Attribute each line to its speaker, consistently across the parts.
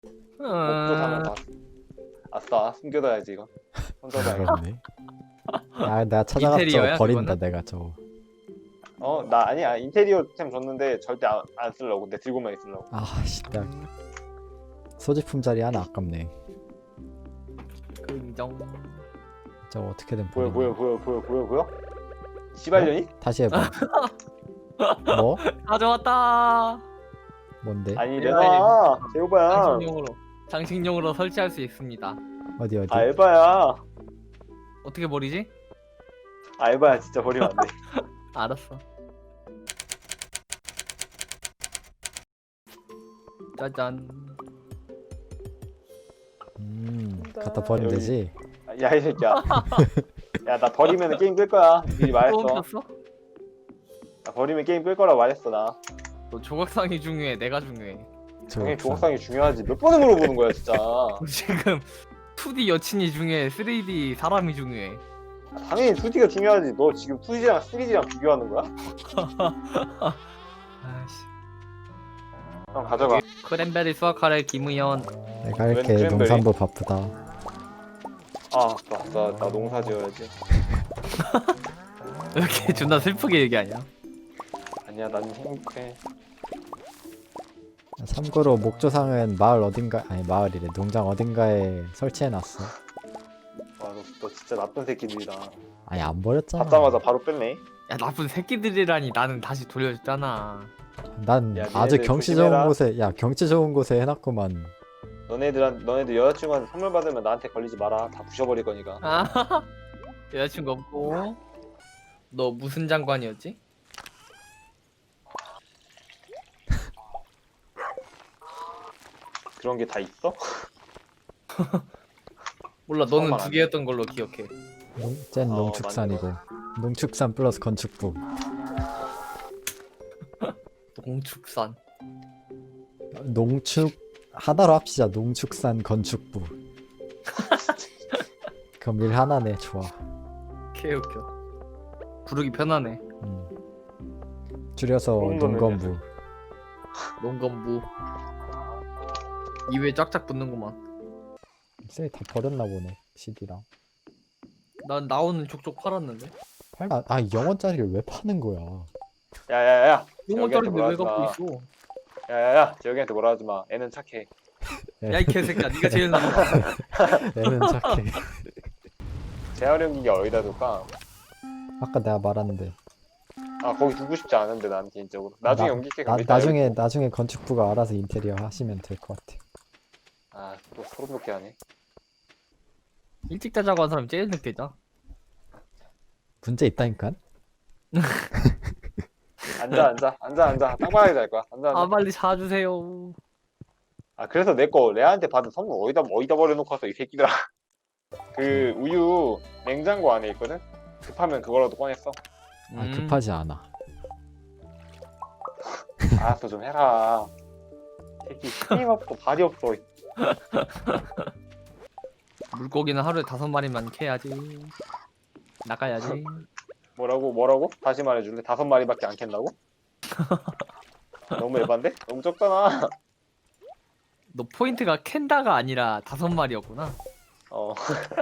Speaker 1: 목조 사면 다. 아싸, 숨겨둬야지 이거. 혼자 다.
Speaker 2: 그렇네. 아 내가 찾아가서
Speaker 3: 인테리어야,
Speaker 2: 버린다
Speaker 3: 그거는?
Speaker 2: 내가 저거.
Speaker 1: 나 아니야. 인테리어 템 줬는데 절대 안 쓰려고. 내 들고만 있으려고.
Speaker 2: 아씨 나 소지품 자리 하나 아깝네.
Speaker 3: 긍정.
Speaker 2: 저거 어떻게든
Speaker 1: 보여
Speaker 2: 버리네.
Speaker 1: 보여? 시발년이?
Speaker 2: 다시 해봐. 뭐?
Speaker 3: 가져왔다.
Speaker 2: 뭔데?
Speaker 1: 아니
Speaker 3: 네.
Speaker 1: 내가 제오바야.
Speaker 3: 장식용으로 설치할 수 있습니다.
Speaker 2: 어디 어디?
Speaker 1: 알바야.
Speaker 3: 어떻게 버리지?
Speaker 1: 알바야 진짜 버리면 안 돼.
Speaker 3: 알았어. 짜잔.
Speaker 2: 갖다 버리면
Speaker 1: 여기.
Speaker 2: 되지.
Speaker 1: 야 이 새끼야. 야 나 버리면 게임 끌 거야. 미리
Speaker 3: 또
Speaker 1: 말했어.
Speaker 3: 옮겼어?
Speaker 1: 나 버리면 게임 끌 거라고 말했어 나.
Speaker 3: 너 조각상이 중요해. 내가 중요해.
Speaker 1: 당연히 조각상이 중요하지. 몇 번을 물어보는 거야 진짜.
Speaker 3: 지금 2D 여친이 중요해. 3D 사람이 중요해.
Speaker 1: 당연히 2D가 중요하지. 너 지금 2D랑 3D랑 비교하는 거야?
Speaker 3: 아씨.
Speaker 1: 형 가져가.
Speaker 3: 크랜베리 수확하래 김우현.
Speaker 2: 내가 이렇게
Speaker 1: 웬
Speaker 2: 농산부 바쁘다.
Speaker 1: 아 맞다. 나 농사 지어야지.
Speaker 3: 왜 이렇게 존나 슬프게 얘기하냐?
Speaker 1: 아니야 난 행복해.
Speaker 2: 참고로 목조상은 마을 어딘가 아니 마을이래 농장 어딘가에 설치해놨어.
Speaker 1: 너 진짜 나쁜 새끼들이다.
Speaker 2: 아니 안 버렸잖아.
Speaker 1: 받자마자 바로 뺐네.
Speaker 3: 야 나쁜 새끼들이라니. 나는 다시 돌려줬잖아.
Speaker 2: 난
Speaker 1: 야,
Speaker 2: 아주
Speaker 1: 니네들
Speaker 2: 경치
Speaker 1: 조심해라.
Speaker 2: 좋은 곳에 경치 좋은 곳에 해놨구만.
Speaker 1: 너네들 여자친구한테 선물 받으면 나한테 걸리지 마라. 다 부셔버릴 거니까.
Speaker 3: 아 여자친구 없고. 너 무슨 장관이었지?
Speaker 1: 그런 게 다 있어?
Speaker 3: 몰라. 너는
Speaker 1: 처음
Speaker 3: 두
Speaker 1: 알았네.
Speaker 3: 개였던 걸로 기억해.
Speaker 2: 쟨
Speaker 1: 어,
Speaker 2: 농축산이고 농축산 플러스 건축부.
Speaker 3: 농축산.
Speaker 2: 농축 하나로 합시자. 농축산 건축부. 그럼 일 하나네. 좋아.
Speaker 3: 개웃겨. 부르기 편하네.
Speaker 2: 줄여서
Speaker 1: 농도는
Speaker 2: 농건부.
Speaker 3: 농건부. 입에 쫙쫙 붙는구만.
Speaker 2: 쎄다 버렸나 보네. CD랑.
Speaker 3: 난 나오는 족족 팔았는데.
Speaker 2: 팔아. 아 0원짜리를 왜 파는 거야?
Speaker 1: 야야야.
Speaker 3: 용원짜리인데 왜
Speaker 1: 뭐라
Speaker 3: 갖고
Speaker 1: 하지
Speaker 3: 있어?
Speaker 1: 야야야. 재혁이한테 뭐라 하지 마. 애는 착해.
Speaker 3: 야 이 개새끼야. 네가 제일 나빠.
Speaker 2: 애는 착해.
Speaker 1: 재활용기기 어디다 둘까?
Speaker 2: 아까 내가 말했는데.
Speaker 1: 아 거기 두고 싶지 않은데 난 개인적으로. 나중에
Speaker 2: 나-
Speaker 1: 옮길게.
Speaker 2: 나,
Speaker 1: 그럼 이따
Speaker 2: 나중에 건축부가 알아서 인테리어 하시면 될 것 같아.
Speaker 1: 아또 소름 돋게 하네.
Speaker 3: 일찍 자자고 한 사람이 제일 늦게 자.
Speaker 2: 문제 있다니까.
Speaker 1: 앉아. 땅바닥에 잘 거야. 앉아.
Speaker 3: 아 빨리 자주세요.
Speaker 1: 아 그래서 내 거 레아한테 받은 선물 어디다 버려놓고 왔어 이 새끼들아. 그 우유 냉장고 안에 있거든. 급하면 그거라도 꺼냈어.
Speaker 2: 아 급하지 않아.
Speaker 1: 알았어 좀 해라. 새끼 힘 없고 발이 없어.
Speaker 3: 물고기는 하루에 5마리만 캐야지. 나가야지.
Speaker 1: 뭐라고? 다시 말해줄래? 5마리밖에 안 캔다고? 너무 에반데? 너무 적잖아.
Speaker 3: 너 포인트가 캔다가 아니라 5마리였구나.
Speaker 1: 어.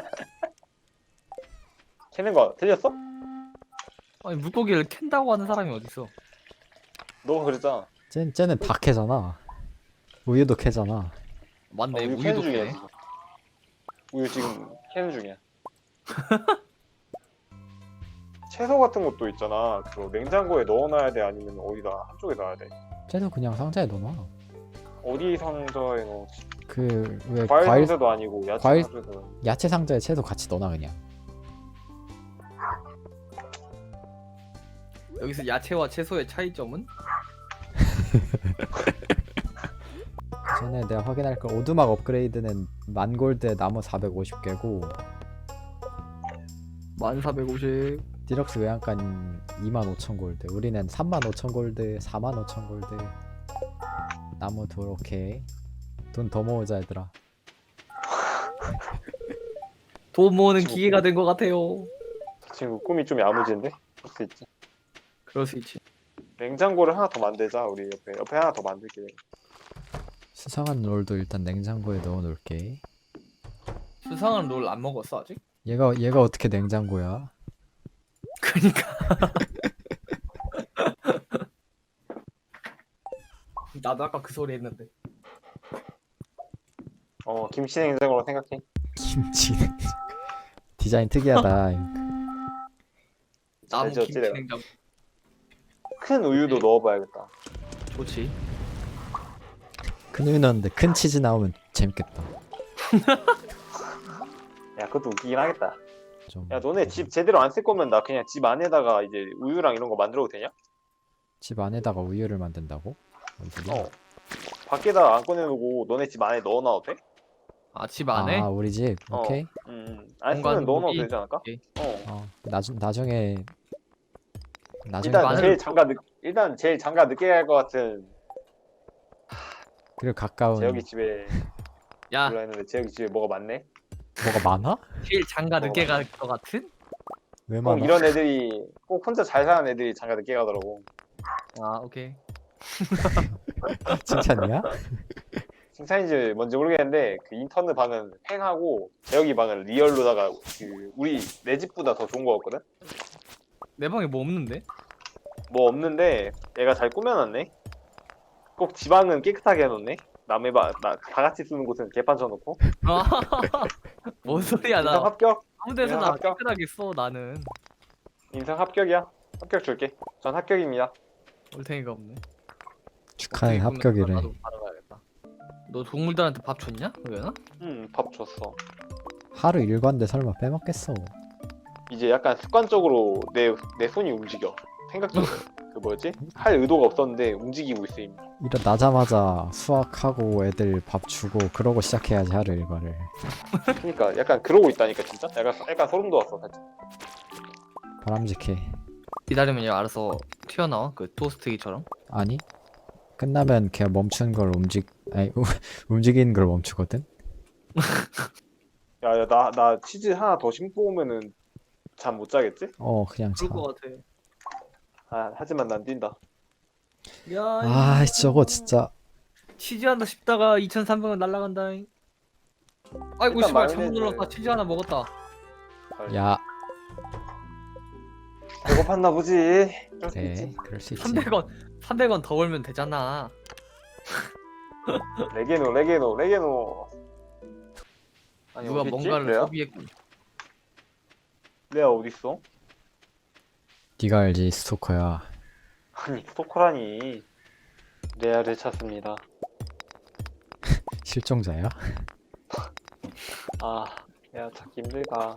Speaker 1: 캐는 거 틀렸어?
Speaker 3: 아니 물고기를 캔다고 하는 사람이 어딨어?
Speaker 1: 너가 그랬잖아.
Speaker 2: 쟤는 다 캐잖아. 우유도 캐잖아.
Speaker 3: 맞네.
Speaker 1: 우유
Speaker 3: 우유도
Speaker 1: 캐는 중이야
Speaker 3: 캐네.
Speaker 1: 지금. 우유 지금 캐는 중이야. 채소 같은 것도 있잖아. 그 냉장고에 넣어놔야 돼 아니면 어디다 한쪽에 놔야 돼.
Speaker 2: 쟤도 그냥 상자에 넣어놔.
Speaker 1: 어디 상자에 넣지?
Speaker 2: 그 왜
Speaker 1: 과일
Speaker 2: 과일
Speaker 1: 상자도 아니고 야채
Speaker 2: 과일-
Speaker 1: 상자도 아니고.
Speaker 2: 야채 상자에 채도 같이 넣어놔 그냥.
Speaker 3: 여기서 야채와 채소의 차이점은?
Speaker 2: 전에 내가 확인할 걸 오두막 업그레이드는 만골드에 나무 450개고
Speaker 3: 1450.
Speaker 2: 디럭스 외양간 25,000골드. 우리는 35,000골드, 45,000골드. 나무 도로케. 돈 더 모으자 얘들아.
Speaker 3: 돈 모으는 기계가 된 것 같아요.
Speaker 1: 친구 꿈이 좀 야무진데? 그럴 수 있지.
Speaker 3: 그럴 수 있지.
Speaker 1: 냉장고를 하나 더 만들자 우리 옆에 하나 더 만들게.
Speaker 2: 수상한 롤도 일단 냉장고에 넣어 놓을게.
Speaker 3: 수상한 롤 안 먹었어 아직?
Speaker 2: 얘가 어떻게 냉장고야?
Speaker 3: 그니까 나도 아까 그 소리 했는데.
Speaker 1: 김치 냉장고로 생각해.
Speaker 2: 김치 디자인 특이하다.
Speaker 3: 나무
Speaker 1: 알지, 어찌
Speaker 3: 김치
Speaker 1: 내가.
Speaker 3: 냉장
Speaker 1: 큰 우유도
Speaker 3: 네.
Speaker 1: 넣어봐야겠다.
Speaker 3: 좋지.
Speaker 2: 큰 우유 넣었는데 큰 치즈 나오면 재밌겠다.
Speaker 1: 야, 그것도 웃기긴 하겠다.
Speaker 2: 좀
Speaker 1: 야, 너네 집 제대로 안 쓸 거면 나 그냥 집 안에다가 이제 우유랑 이런 거 만들어도 되냐?
Speaker 2: 집 안에다가 우유를 만든다고? 뭔 소리야?
Speaker 1: 밖에다 안 꺼내놓고 너네 집 안에 넣어놔도 돼?
Speaker 3: 아 집 안에?
Speaker 2: 아 우리 집
Speaker 1: 어.
Speaker 2: 오케이.
Speaker 1: 안
Speaker 3: 공간
Speaker 1: 쓰면 넣어놔도
Speaker 3: 분위기?
Speaker 1: 되지 않을까?
Speaker 3: 오케이.
Speaker 2: 나중에
Speaker 1: 일단
Speaker 3: 마늘-
Speaker 1: 제일 장가 늦게 갈 것 같은
Speaker 2: 그리고 가까운
Speaker 1: 재혁이 집에
Speaker 3: 야
Speaker 1: 몰라 했는데 재혁이 집에 뭐가 많네?
Speaker 2: 뭐가 많아?
Speaker 3: 제일 장가 늦게 갈 것 같은?
Speaker 2: 왜
Speaker 1: 꼭
Speaker 2: 많아?
Speaker 1: 이런 애들이 꼭 혼자 잘 사는 애들이 장가 늦게 가더라고.
Speaker 3: 아 오케이.
Speaker 2: 칭찬이야?
Speaker 1: 칭찬인지 뭔지 모르겠는데 그 인턴의 방은 펜하고 재혁이 방은 리얼로다가 그 우리 내 집보다 더 좋은 거 같거든?
Speaker 3: 내 방에 뭐 없는데?
Speaker 1: 뭐 없는데 얘가 잘 꾸며놨네. 꼭 지방은 깨끗하게 해놓네. 남의 방, 다 같이 쓰는 곳은 개판 쳐놓고.
Speaker 3: 뭔 소리야
Speaker 1: 인상
Speaker 3: 나
Speaker 1: 합격?
Speaker 3: 아무 데서나
Speaker 1: 인상 합격?
Speaker 3: 깨끗하게 써 나는.
Speaker 1: 인상 합격이야. 합격 줄게. 전 합격입니다.
Speaker 3: 올탱이가 없네.
Speaker 2: 축하해
Speaker 3: 어떻게 꾸몄나?
Speaker 2: 합격이래.
Speaker 3: 나도 받아가야겠다. 너 동물들한테 밥 줬냐? 그러나?
Speaker 1: 밥 줬어.
Speaker 2: 하루 일과인데 설마 빼먹겠어?
Speaker 1: 이제 약간 습관적으로 내 손이 움직여. 생각적으로. 그 뭐였지? 할 의도가 없었는데 움직이고 있어 이미.
Speaker 2: 일어나자마자 수학하고 애들 밥 주고 그러고 시작해야지 하루 일과를.
Speaker 1: 그러니까 약간 그러고 있다니까 진짜. 약간 소름 돋았어 살짝.
Speaker 2: 바람직해.
Speaker 3: 기다리면 얘 알아서 튀어나와 그 토스트기처럼.
Speaker 2: 아니 끝나면 걔 멈춘 걸 움직이는 걸 멈추거든.
Speaker 1: 야, 나 치즈 하나 더 심고 오면은 잠 못 자겠지?
Speaker 2: 그냥 자.
Speaker 3: 그럴 것 같아.
Speaker 1: 하지만 난 뛴다.
Speaker 3: 야,
Speaker 2: 아 저거 진짜.
Speaker 3: 치즈한다 싶다가 2,300원 날라간다. 아이고
Speaker 1: 일단
Speaker 3: 씨발 잘못
Speaker 1: 마요네즈.
Speaker 3: 눌렀다. 치즈 하나 먹었다.
Speaker 2: 야
Speaker 1: 배고팠나 보지. 그럴 수
Speaker 2: 그래
Speaker 1: 있지.
Speaker 2: 그럴 수 있지.
Speaker 3: 300원 더 벌면 되잖아.
Speaker 1: 레게노. 아니,
Speaker 3: 누가
Speaker 1: 어딨지?
Speaker 3: 뭔가를
Speaker 1: 레아?
Speaker 3: 소비했고.
Speaker 1: 레아 어딨어?
Speaker 2: 네가 알지 스토커야.
Speaker 1: 아니 스토커라니. 레아를 찾습니다.
Speaker 2: 실종자야?
Speaker 1: 레아 찾기 힘들다.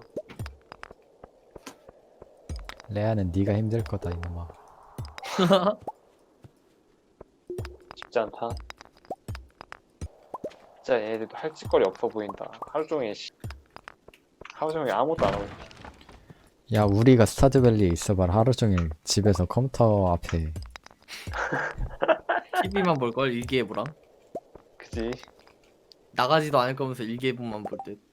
Speaker 2: 레아는 네가 힘들 거다 이놈아.
Speaker 1: 쉽지 않다. 진짜 얘네들도 할 짓거리 없어 보인다. 하루 종일 아무것도 안 하고.
Speaker 2: 야 우리가 스타드밸리에 있어봐라. 하루 종일 집에서 컴퓨터 앞에.
Speaker 3: TV만 볼 걸 일기예보랑
Speaker 1: 그지?
Speaker 3: 나가지도 않을 거면서 일기예보만 볼 듯.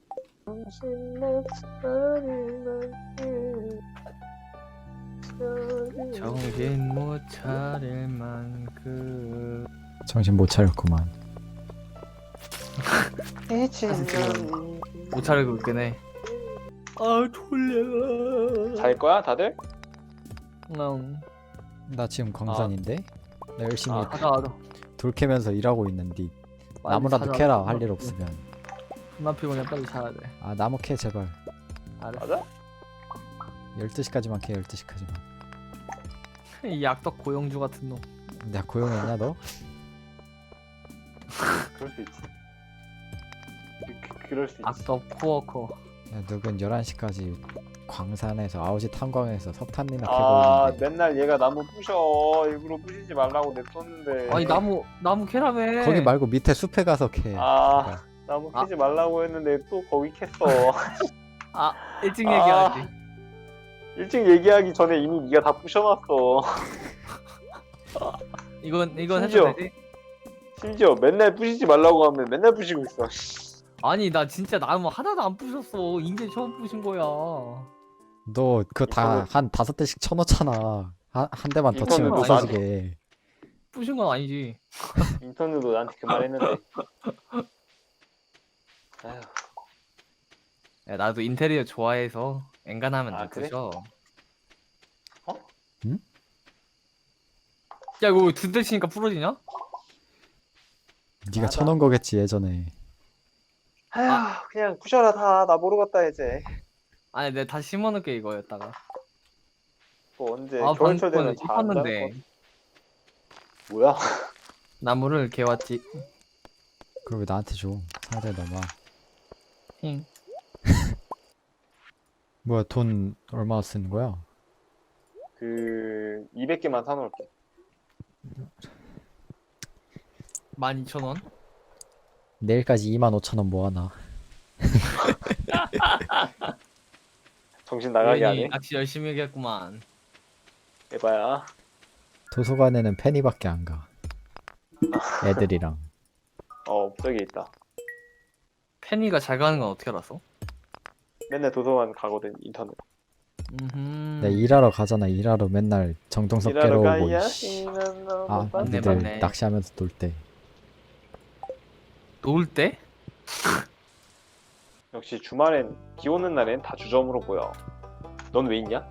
Speaker 3: 정신 못 차릴 만큼.
Speaker 2: 정신 못 차렸구만.
Speaker 3: 못 차리고 있긴 해. 아 졸려.
Speaker 1: 잘 거야 다들?
Speaker 3: 응.
Speaker 2: 나 지금 광산인데? 나 열심히
Speaker 3: 하자.
Speaker 2: 돌 캐면서 일하고 있는데 나무라도 캐라 할 일 없으면.
Speaker 3: 나 피곤해 빨리 자야 돼.
Speaker 2: 나무 캐 제발.
Speaker 3: 알았어.
Speaker 1: 맞아?
Speaker 2: 12시까지만 캐 12시까지만.
Speaker 3: 이 약덕 고영주 같은 놈.
Speaker 2: 내가 고용했냐 너?
Speaker 1: 그럴 수 있지. 그럴 수 있지.
Speaker 3: 악덕 코어커.
Speaker 2: 야, 누군 11시까지 광산에서 아우지 탄광에서 석탄이나 캐고 있는데
Speaker 1: 맨날 얘가 나무 부셔. 일부러 부시지 말라고 냅뒀는데.
Speaker 3: 아니 나무 캐라며.
Speaker 2: 거기 말고 밑에 숲에 가서 캐.
Speaker 1: 나무 캐지 말라고 했는데 또 거기 캤어.
Speaker 3: 일찍
Speaker 1: 아.
Speaker 3: 얘기하지.
Speaker 1: 일찍 얘기하기 전에 이미 네가 다 부셔놨어.
Speaker 3: 이건
Speaker 1: 심지어.
Speaker 3: 해도 되지?
Speaker 1: 심지어 맨날 부시지 말라고 하면 맨날 부시고 있어.
Speaker 3: 아니 나 진짜 나무 하나도 안 부셨어. 이제 처음 부신 거야.
Speaker 2: 너 그거 다 한 5대씩 쳐놓잖아. 한 대만 더 치면
Speaker 3: 이거는
Speaker 2: 부서지게.
Speaker 3: 부신 건 아니지.
Speaker 1: 인턴들도 나한테 그 말 했는데. 아휴,
Speaker 3: 야, 나도 인테리어 좋아해서 엔간하면
Speaker 1: 아,
Speaker 3: 안
Speaker 1: 그래?
Speaker 3: 부셔.
Speaker 1: 어?
Speaker 2: 응?
Speaker 3: 야, 이거 두 대 치니까 부러지냐?
Speaker 2: 네가
Speaker 1: 맞아.
Speaker 2: 쳐놓은 거겠지 예전에.
Speaker 1: 아휴, 그냥 부셔라 다. 나 모르겠다 이제.
Speaker 3: 아니, 내가 다시 심어놓을게 이거였다가.
Speaker 1: 또 언제
Speaker 3: 아,
Speaker 1: 겨울철
Speaker 3: 방금
Speaker 1: 되면 잘 안 자를 것
Speaker 3: 싶었는데
Speaker 1: 같아. 뭐야?
Speaker 3: 나무를 개왔지.
Speaker 2: 그걸 왜 나한테 줘? 상대 넘어.
Speaker 3: 힝.
Speaker 2: 뭐야 돈 얼마 쓰는 거야?
Speaker 1: 그 200개만 사놓을게.
Speaker 3: 12,000원?
Speaker 2: 내일까지 25,000원 모아놔.
Speaker 1: 정신 나가게
Speaker 3: 우연히
Speaker 1: 하네.
Speaker 3: 낚시 열심히 하겠구만.
Speaker 1: 해봐야.
Speaker 2: 도서관에는 페니밖에 안 가. 애들이랑.
Speaker 1: 저기 있다.
Speaker 3: 페니가 잘 가는 건 어떻게 알았어?
Speaker 1: 맨날 도서관 가거든 인터넷.
Speaker 3: 음.
Speaker 2: 내 일하러 가잖아. 일하러 맨날 정동석
Speaker 1: 일하러
Speaker 2: 깨러 오고.
Speaker 1: 가야
Speaker 2: 이씨.
Speaker 1: 이는
Speaker 2: 아,
Speaker 1: 너무
Speaker 3: 맞네,
Speaker 2: 니들
Speaker 3: 맞네.
Speaker 2: 낚시하면서 놀 때.
Speaker 3: 놀 때?
Speaker 1: 역시 주말엔 비 오는 날엔 다 주점으로 보여. 넌 왜 있냐?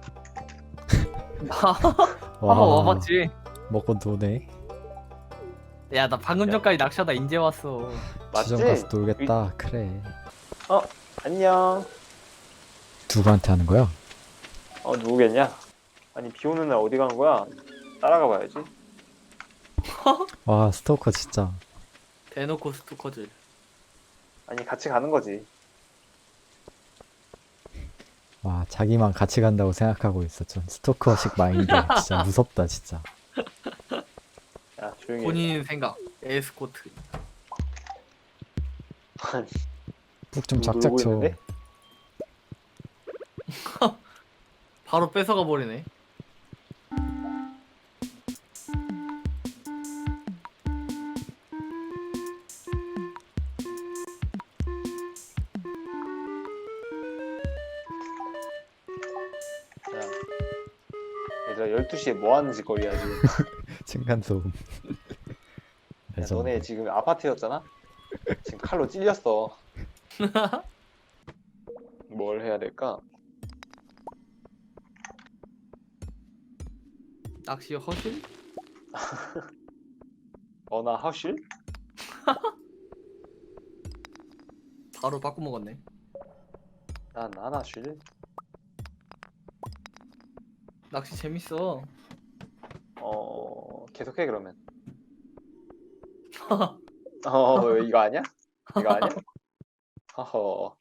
Speaker 3: 한번 와봤지.
Speaker 2: 먹고 노네.
Speaker 3: 야, 나 방금 전까지 낚시하다 인제 왔어.
Speaker 1: 맞지?
Speaker 2: 주점 가서 놀겠다. 그래.
Speaker 1: 안녕.
Speaker 2: 누구한테 하는 거야?
Speaker 1: 누구겠냐? 아니 비 오는 날 어디 가는 거야? 따라가 봐야지.
Speaker 2: 와 스토커 진짜.
Speaker 3: 대놓고 스토커즈.
Speaker 1: 아니 같이 가는 거지.
Speaker 2: 와 자기만 같이 간다고 생각하고 있어. 좀 스토커식 마인드. 진짜 무섭다 진짜.
Speaker 1: 야 조용히 해.
Speaker 3: 본인 생각. 에스코트.
Speaker 1: 아니,
Speaker 2: 푹 좀
Speaker 1: 놀고
Speaker 2: 작작 쳐.
Speaker 1: 있는데?
Speaker 3: 바로 뺏어가 버리네.
Speaker 1: 야, 얘들아 12시에 뭐 하는 짓거리야 지금.
Speaker 2: 층간소음.
Speaker 1: 야, 너네 지금 아파트였잖아? 지금 칼로 찔렸어. 뭘 해야 될까?
Speaker 3: 낚시 허실?
Speaker 1: 나 하실?
Speaker 3: 바로 바꿔 먹었네.
Speaker 1: 난 안 하실?
Speaker 3: 낚시 재밌어.
Speaker 1: 계속해 그러면. 이거 아니야? 이거 아니야? 허허.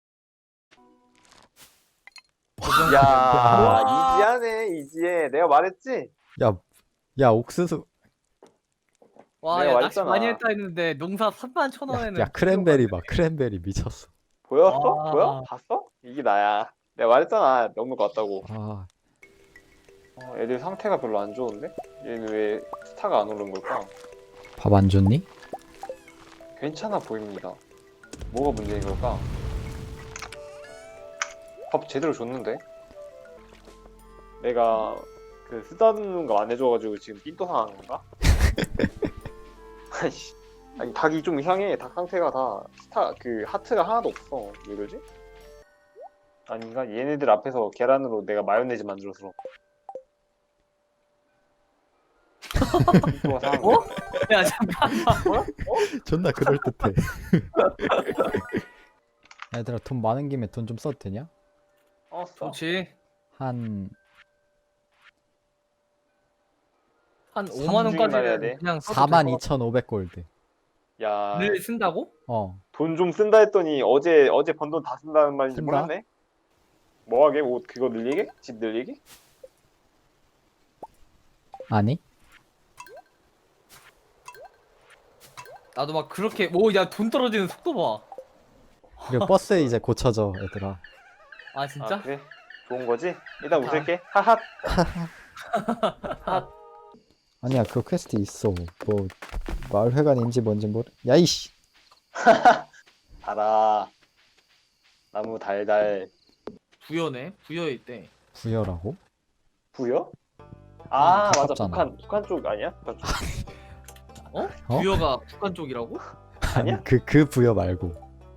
Speaker 1: 야, 이지하네, 이지해. 내가 말했지?
Speaker 2: 야 옥수수.
Speaker 3: 와,
Speaker 1: 내가
Speaker 3: 야, 낚시
Speaker 1: 말했잖아.
Speaker 3: 많이 했다 했는데 농사 31,000원에는
Speaker 2: 야 크랜베리 봐. 크랜베리 미쳤어.
Speaker 1: 보였어?
Speaker 3: 와.
Speaker 1: 보여? 봤어? 이게 나야. 내가 말했잖아. 넘는 것 같다고.
Speaker 2: 아
Speaker 1: 애들 상태가 별로 안 좋은데? 얘는 왜 스타가 안 오른 걸까?
Speaker 2: 밥 안 줬니?
Speaker 1: 괜찮아 보입니다. 뭐가 문제인 걸까? 밥 제대로 줬는데? 내가 그 쓰다듬는 거 안 해줘가지고 지금 삔또 상한 건가? 아이씨. 아니 닭이 좀 이상해. 닭 상태가 다 하트가 하나도 없어. 왜 그러지? 아닌가? 얘네들 앞에서 계란으로 내가 마요네즈 만들어서 삔또가 상한 거야.
Speaker 3: 야, 잠깐만.
Speaker 2: 존나 그럴듯해. 얘들아 돈 많은 김에 돈 좀 써도 되냐?
Speaker 1: 써.
Speaker 3: 좋지.
Speaker 2: 한
Speaker 3: 한
Speaker 1: 삼
Speaker 3: 5만
Speaker 1: 중에 말해야
Speaker 3: 원까지는
Speaker 1: 돼.
Speaker 3: 그냥 써도 될것 같아.
Speaker 2: 42,500골드.
Speaker 1: 야,
Speaker 3: 늘 쓴다고?
Speaker 2: 어.
Speaker 1: 돈 좀 쓴다 했더니 어제 번 돈 다 쓴다는 말인지
Speaker 2: 쓴다?
Speaker 1: 몰랐네. 뭐 하게? 옷 그거 늘리게? 집 늘리게?
Speaker 2: 아니?
Speaker 3: 나도 막 그렇게 야, 돈 떨어지는 속도 봐.
Speaker 2: 그리고 버스 이제 고쳐져 얘들아.
Speaker 3: 아, 진짜?
Speaker 1: 아, 그래? 좋은 거지? 일단 웃을게. 하핫.
Speaker 2: 아니야 그 퀘스트 있어. 뭐 마을회관인지 뭔지 모르. 야이씨.
Speaker 1: 달아. 나무 달달.
Speaker 3: 부여네. 부여에 있대.
Speaker 2: 부여라고?
Speaker 1: 부여? 아, 맞아.
Speaker 2: 가깝잖아.
Speaker 1: 북한 쪽 아니야? 북한 쪽.
Speaker 3: 어?
Speaker 2: 어?
Speaker 3: 부여가 북한 쪽이라고?
Speaker 1: 아니야?
Speaker 2: 그 부여 말고.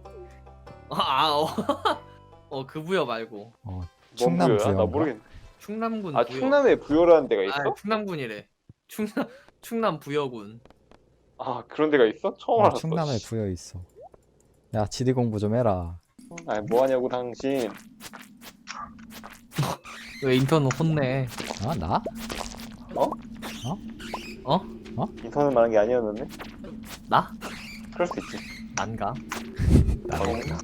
Speaker 3: 그 부여 말고
Speaker 2: 어,
Speaker 1: 뭔
Speaker 2: 충남
Speaker 1: 부여야? 나
Speaker 2: 부여인가?
Speaker 1: 모르겠네.
Speaker 3: 충남군
Speaker 1: 아
Speaker 3: 부여.
Speaker 1: 충남에 부여라는 데가 있어?
Speaker 3: 아, 충남군이래. 충남 부여군.
Speaker 1: 아 그런 데가 있어? 처음
Speaker 2: 어,
Speaker 1: 알았어.
Speaker 2: 충남에
Speaker 1: 씨.
Speaker 2: 부여 있어. 야, 지리 공부 좀 해라.
Speaker 1: 아니 뭐하냐고 당신.
Speaker 3: 왜 인턴 혼내?
Speaker 2: 아, 나?
Speaker 1: 인터넷 말한 게 아니었는데?
Speaker 3: 나?
Speaker 1: 그럴 수 있지.
Speaker 3: 난가?
Speaker 1: 어,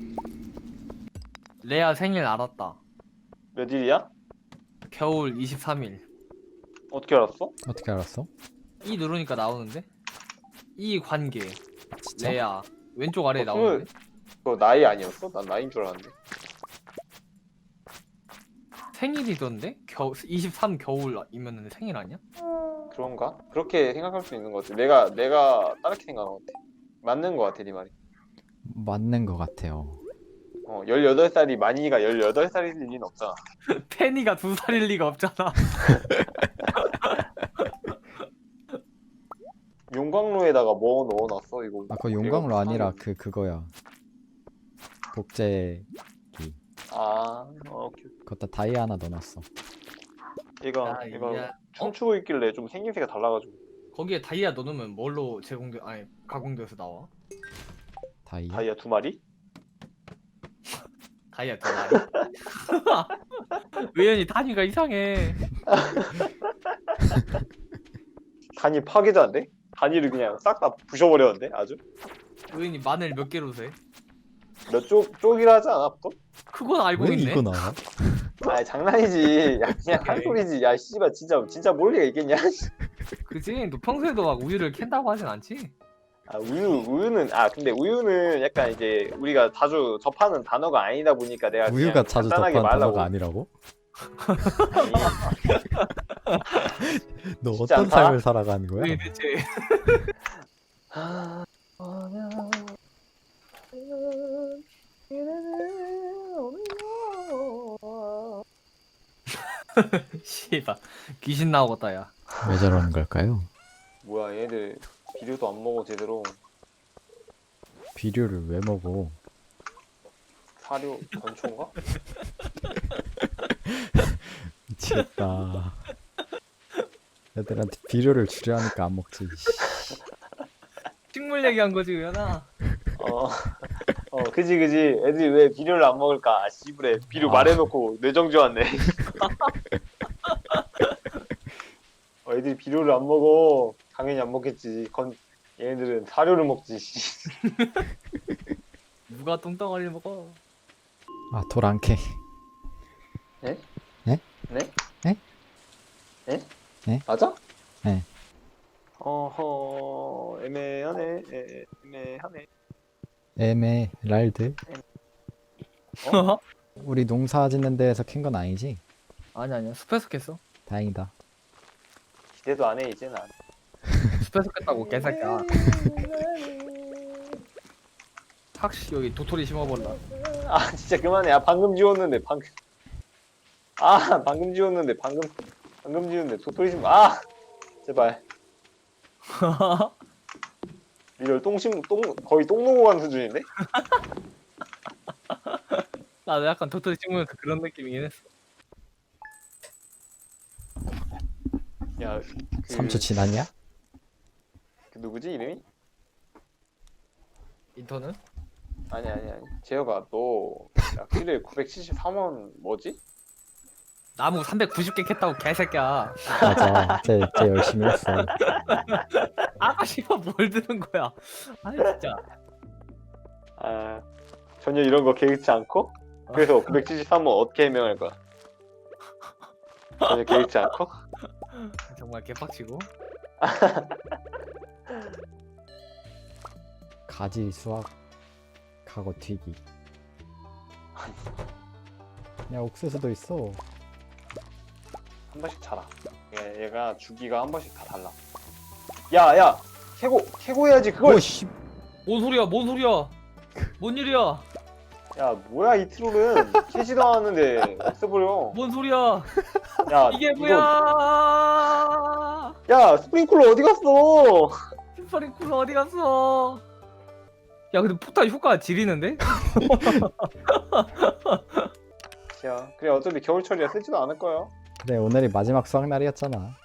Speaker 3: 레아 생일 알았다.
Speaker 1: 몇 일이야?
Speaker 3: 겨울 23일.
Speaker 1: 어떻게 알았어?
Speaker 2: 어떻게 알았어?
Speaker 3: 이 누르니까 나오는데? 이 관계.
Speaker 2: 진짜?
Speaker 3: 레아 왼쪽 아래에
Speaker 1: 어,
Speaker 3: 나오는데?
Speaker 1: 그거 나이 아니었어? 난 나이인 줄 알았는데.
Speaker 3: 생일이던데? 23 겨울이면 생일 아니야?
Speaker 1: 그런가? 그렇게 생각할 수 있는 것 같아. 내가 다르게 생각한 것 같아. 맞는 것 같아, 네 말이.
Speaker 2: 맞는 것 같아요.
Speaker 1: 18살이 만이가 18살일 리는 없잖아.
Speaker 3: 페니가 2살일 리가 없잖아.
Speaker 1: 용광로에다가 뭐 넣어놨어, 이거?
Speaker 2: 아, 그거 용광로
Speaker 1: 내가
Speaker 2: 아니라
Speaker 1: 사는-
Speaker 2: 그거야. 복제
Speaker 1: 오케이.
Speaker 2: 거기다 다이 하나 넣어놨어.
Speaker 1: 얘가
Speaker 3: 다이아.
Speaker 1: 춤추고 있길래 좀 생김새가 달라가지고.
Speaker 3: 거기에 다이아 넣으면 뭘로 가공돼서 나와?
Speaker 2: 다이.
Speaker 1: 다이아 2마리?
Speaker 3: 다이아 두 마리? 의연이 단위가 이상해.
Speaker 1: 단위 파괴자인데? 단위를 그냥 싹 다 부셔버렸는데? 아주?
Speaker 3: 의연이 마늘 몇 개로 세?
Speaker 1: 몇 쪽이라 하지 않아, 보통?
Speaker 3: 그건 알고
Speaker 2: 왜
Speaker 3: 있네.
Speaker 2: 이거 나와?
Speaker 1: 아 장난이지. 야, 그냥 한
Speaker 3: 오케이.
Speaker 1: 소리지. 야, 씨발, 진짜 모를 리가 있겠냐?
Speaker 3: 그지? 너 평소에도 막 우유를 캔다고 하진 않지?
Speaker 1: 근데 우유는 약간 이제 우리가 자주 접하는 단어가 아니다 보니까 내가
Speaker 2: 우유가
Speaker 1: 그냥
Speaker 2: 자주
Speaker 1: 간단하게
Speaker 2: 접한
Speaker 1: 말하려고.
Speaker 2: 단어가 아니라고? 너
Speaker 1: 쉽지
Speaker 2: 어떤
Speaker 1: 않다?
Speaker 2: 삶을 살아가는 거야?
Speaker 3: 왜 대체 씨발 귀신 나오겠다 야.
Speaker 2: 왜 저러는 걸까요?
Speaker 1: 뭐야 얘들 비료도 안 먹어 제대로.
Speaker 2: 비료를 왜 먹어?
Speaker 1: 사료 건초인가?
Speaker 2: 미치겠다. 애들한테 비료를 주려 하니까 안 먹지.
Speaker 3: 식물 얘기한 거지 의연아.
Speaker 1: 그지 애들이 왜 비료를 안 먹을까? 아 씨부래 비료 말해놓고 뇌정지 왔네. 애들이 비료를 안 먹어. 당연히 안 먹겠지. 얘네들은 사료를 먹지. 씨.
Speaker 3: 누가 똥덩어리를 먹어?
Speaker 2: 아, 돌 안 캐.
Speaker 1: 네?
Speaker 2: 네?
Speaker 1: 네?
Speaker 2: 네?
Speaker 1: 네?
Speaker 2: 네?
Speaker 1: 맞아?
Speaker 2: 네.
Speaker 1: 애매하네. 애매하네.
Speaker 2: 에메랄드? 우리 농사 짓는 데에서 캔 건 아니지?
Speaker 3: 아니야 숲에서 깼어.
Speaker 2: 다행이다.
Speaker 1: 기대도 안 해 이제 난.
Speaker 3: 숲에서 깼다고 개새끼야. 확실히 여기 도토리 심어볼라.
Speaker 1: 아 진짜 그만해. 아 방금 지웠는데 방금. 아 방금 지웠는데 방금 지웠는데 도토리 심. 아 제발. 리얼 거의 똥 놓고 가는 수준인데?
Speaker 3: 나도 약간 도토리 심으면서 그런 느낌이긴 했어.
Speaker 1: 야,
Speaker 2: 3초 지났냐?
Speaker 1: 그 누구지 이름이?
Speaker 3: 인턴은?
Speaker 1: 아니. 재혁아 너 약실에 973원 뭐지?
Speaker 3: 나무 390개 캤다고 개새끼야.
Speaker 2: 맞아. 쟤 열심히 했어.
Speaker 3: 아까 씨발 뭘 들은 거야. 아니 진짜.
Speaker 1: 아 전혀 이런 거 계획치 않고? 그래서 973원 어떻게 해명할 거야? 전혀 계획치 않고?
Speaker 3: 정말 개빡치고.
Speaker 2: 가지 수확하고 튀기. 야, 옥수수도 있어.
Speaker 1: 한 번씩 자라. 얘가 주기가 한 번씩 다 달라. 야 캐고 해야지 그걸.
Speaker 2: 오씨.
Speaker 3: 뭔 소리야? 뭔 일이야?
Speaker 1: 야 뭐야 이 트롤은 캐지도 않았는데 없애버려.
Speaker 3: 뭔 소리야?
Speaker 1: 야
Speaker 3: 이게
Speaker 1: 이거-
Speaker 3: 뭐야?
Speaker 1: 야 스프링클러 어디 갔어?
Speaker 3: 스파링쿨 어디 갔어? 야 근데 포탈 효과 지리는데?
Speaker 1: 야, 그래 어차피 겨울철이라 쓰지도 않을 거야.
Speaker 2: 그래 오늘이 마지막 수학날이었잖아.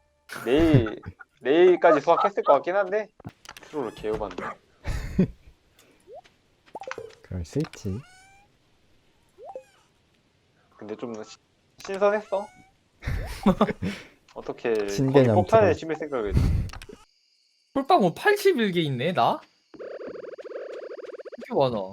Speaker 1: 내일까지 수학했을 것 같긴 한데 트롤을 개요반네.
Speaker 2: 그럴 수 있지.
Speaker 1: 근데 좀 신선했어. 어떻게 거기
Speaker 2: 신개념
Speaker 1: 폭탄에
Speaker 2: 트롤.
Speaker 1: 심을 생각을 했지?
Speaker 3: 홀빵 81개 있네 나? 이렇게 많아.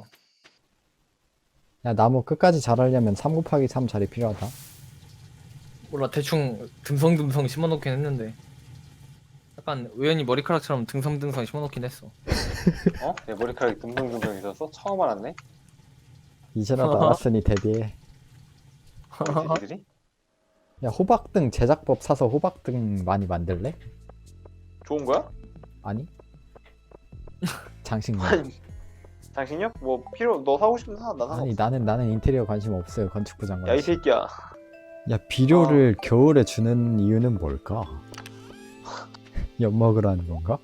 Speaker 2: 야 나무 끝까지 자라려면 3 곱하기 3 자리 필요하다.
Speaker 3: 몰라 대충 듬성듬성 심어놓긴 했는데 약간 우연히 머리카락처럼 듬성듬성 심어놓긴 했어.
Speaker 1: 어? 내 머리카락이 둥둥둥둥 있었어? 처음 알았네.
Speaker 2: 이제라도 알았으니 대비해.
Speaker 1: 이 새끼들이?
Speaker 2: 야 호박등 제작법 사서 호박등 많이 만들래?
Speaker 1: 좋은 거야?
Speaker 2: 아니? 장식용.
Speaker 1: 아니, 당신요? 뭐 필요 너 사고 싶으면 사. 나
Speaker 2: 아니
Speaker 1: 상관없어.
Speaker 2: 나는 인테리어 관심 없어요. 건축부 장관.
Speaker 1: 야 이 새끼야.
Speaker 2: 야 비료를 겨울에 주는 이유는 뭘까? 엿 먹으라는 건가?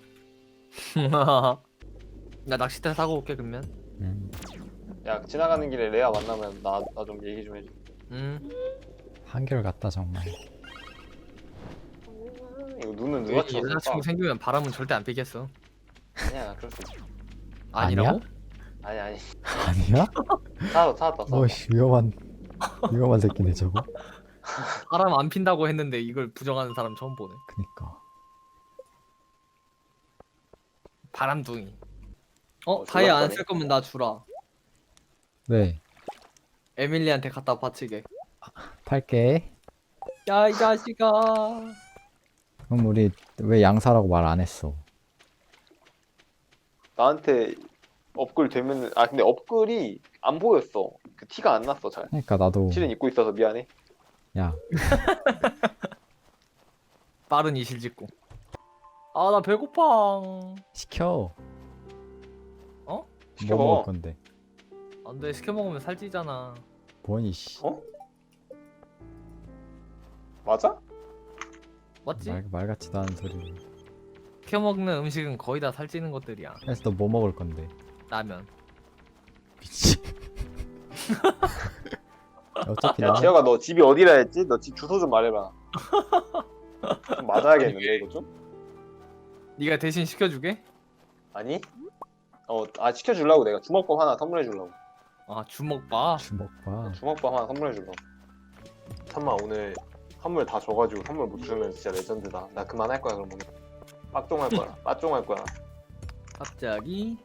Speaker 3: 나 낚싯대 사고 올게 그러면.
Speaker 1: 야 지나가는 길에 레아 만나면 나 좀 얘기 좀 해줘.
Speaker 2: 한결같다 정말.
Speaker 1: 이거 눈은 누가 찍었어?
Speaker 3: 여자친구 생기면 바람은 절대 안 피겠어.
Speaker 1: 아니야 그럴 수 있어.
Speaker 3: 아니라고?
Speaker 1: 아니
Speaker 2: 아니야?
Speaker 1: 찾았다.
Speaker 2: 어씨 위험한 새끼네 저거.
Speaker 3: 바람 안 핀다고 했는데 이걸 부정하는 사람 처음 보네.
Speaker 2: 그니까.
Speaker 3: 바람둥이.
Speaker 1: 어,
Speaker 3: 다이 안
Speaker 1: 졸랐다네.
Speaker 3: 쓸 거면 나 주라.
Speaker 2: 왜?
Speaker 3: 에밀리한테 갖다 바치게.
Speaker 2: 팔게.
Speaker 3: 야 이 자식아.
Speaker 2: 그럼 우리 왜 양사라고 말 안 했어?
Speaker 1: 나한테 업글 되면 근데 업글이 안 보였어. 그 티가 안 났어 잘.
Speaker 2: 그러니까 나도.
Speaker 1: 실은 입고 있어서 미안해.
Speaker 2: 야
Speaker 3: 빠른 이실직고. 아 나 배고파.
Speaker 2: 시켜. 뭐
Speaker 1: 시켜
Speaker 2: 먹을
Speaker 1: 먹어.
Speaker 2: 건데?
Speaker 3: 안돼 시켜 먹으면 살찌잖아.
Speaker 2: 뭐니 씨.
Speaker 1: 어? 맞아?
Speaker 3: 맞지?
Speaker 2: 말 같지도 않은 소리.
Speaker 3: 시켜 먹는 음식은 거의 다 살찌는 것들이야.
Speaker 2: 그래서 너 뭐 먹을 건데?
Speaker 3: 라면.
Speaker 2: 미치. 어차피
Speaker 1: 야
Speaker 2: 나는
Speaker 1: 재혁아 너 집이 어디라 했지? 너 집 주소 좀 말해봐. 좀 맞아야겠는데 이거 좀?
Speaker 3: 네가 대신 시켜주게?
Speaker 1: 아니? 시켜주려고 내가 주먹밥 하나 선물해 주려고.
Speaker 3: 아 주먹밥.
Speaker 2: 주먹밥.
Speaker 1: 주먹밥 하나 선물해 주려고. 참마 오늘 선물 다 줘가지고 선물 못 주면 진짜 레전드다. 나 그만할 거야 그럼 오늘. 빡종할 거야. 빠종할 거야.
Speaker 3: 갑자기.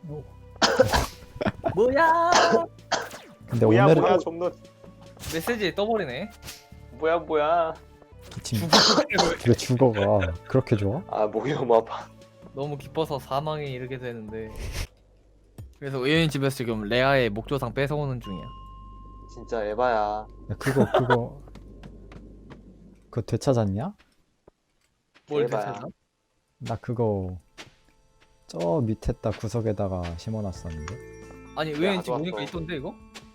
Speaker 3: 뭐야?
Speaker 2: 근데
Speaker 1: 뭐야
Speaker 2: 오늘은
Speaker 1: 뭐야 좀 더.
Speaker 3: 메시지에 떠버리네.
Speaker 1: 뭐야.
Speaker 2: 지금 왜 죽어가 그렇게 좋아?
Speaker 1: 목이 너무 아파.
Speaker 3: 너무 기뻐서 사망에 이르게 되는데. 그래서 의연이 집에서 지금 레아의 목조상 뺏어오는 중이야.
Speaker 1: 진짜 에바야.
Speaker 2: 야 그거 되찾았냐?
Speaker 3: 뭘
Speaker 1: 대박이야.
Speaker 3: 되찾아?
Speaker 2: 나 그거 저 밑에다 구석에다가 심어놨었는데.
Speaker 3: 아니 의연이 집
Speaker 1: 가져왔어.
Speaker 3: 오니까 있던데 이거?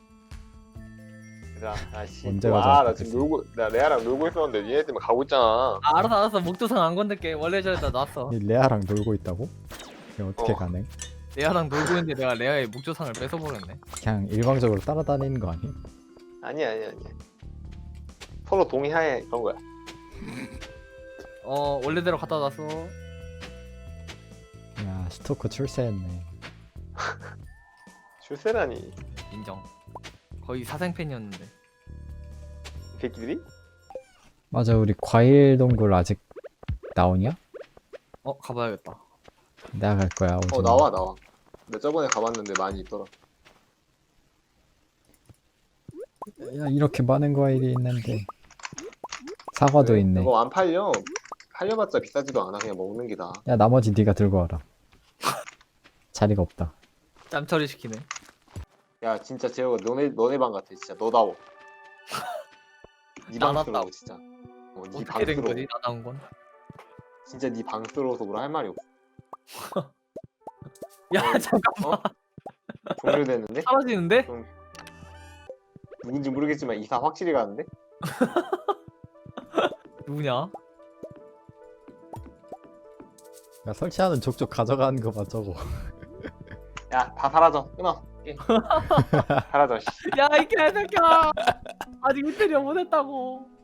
Speaker 1: 얘들아, 아씨.
Speaker 2: 언제
Speaker 1: 나
Speaker 2: 가져왔어,
Speaker 1: 지금 나 레아랑 놀고 있었는데 니네 때문에 가고 있잖아.
Speaker 3: 아, 알았어 목조상 안 건들게. 원래 저기다 놨어.
Speaker 2: 이 레아랑 놀고 있다고? 이게 어떻게
Speaker 1: 어.
Speaker 2: 가능?
Speaker 3: 레아랑 놀고 있는데 내가 레아의 목조상을 뺏어버렸네.
Speaker 2: 그냥 일방적으로 따라다니는 거 아니?
Speaker 1: 아니야. 서로 동의하에 그런 거야.
Speaker 3: 원래대로 갖다 놨어.
Speaker 2: 야 스토커 출세했네.
Speaker 1: 출세라니.
Speaker 3: 인정. 거의 사생팬이었는데.
Speaker 1: 이 새끼들이?
Speaker 2: 맞아 우리 과일 동굴 아직 나오냐?
Speaker 3: 가봐야겠다.
Speaker 2: 내가 갈 거야. 오줌.
Speaker 1: 나와. 나 저번에 가봤는데 많이 있더라.
Speaker 2: 야 이렇게 많은 과일이 있는데 사과도 있네.
Speaker 1: 이거 안 팔려. 팔려봤자 비싸지도 않아. 그냥 먹는 게 나아.
Speaker 2: 야 나머지 네가 들고 와라. 자리가 없다.
Speaker 3: 짬처리 시키네.
Speaker 1: 야 진짜 재혁아 너네 방 같아. 진짜 너다워. 네
Speaker 3: 나났다.
Speaker 1: 방스러워 진짜. 네
Speaker 3: 어떻게 된
Speaker 1: 방스러워.
Speaker 3: 거지 나나온 건?
Speaker 1: 진짜 네 방스러워서 뭐라 할 말이 없어.
Speaker 3: 야 잠깐
Speaker 1: 종료됐는데?
Speaker 3: 사라지는데?
Speaker 1: 누군지 모르겠지만 이사 확실히 가는데?
Speaker 3: 누구냐?
Speaker 2: 야, 설치하는 족족 가져가는 거 봐 저거.
Speaker 1: 야, 다 사라져. 끊어. 게임. 사라져. 씨.
Speaker 3: 야 이 개새끼야 아직 인테리어 못했다고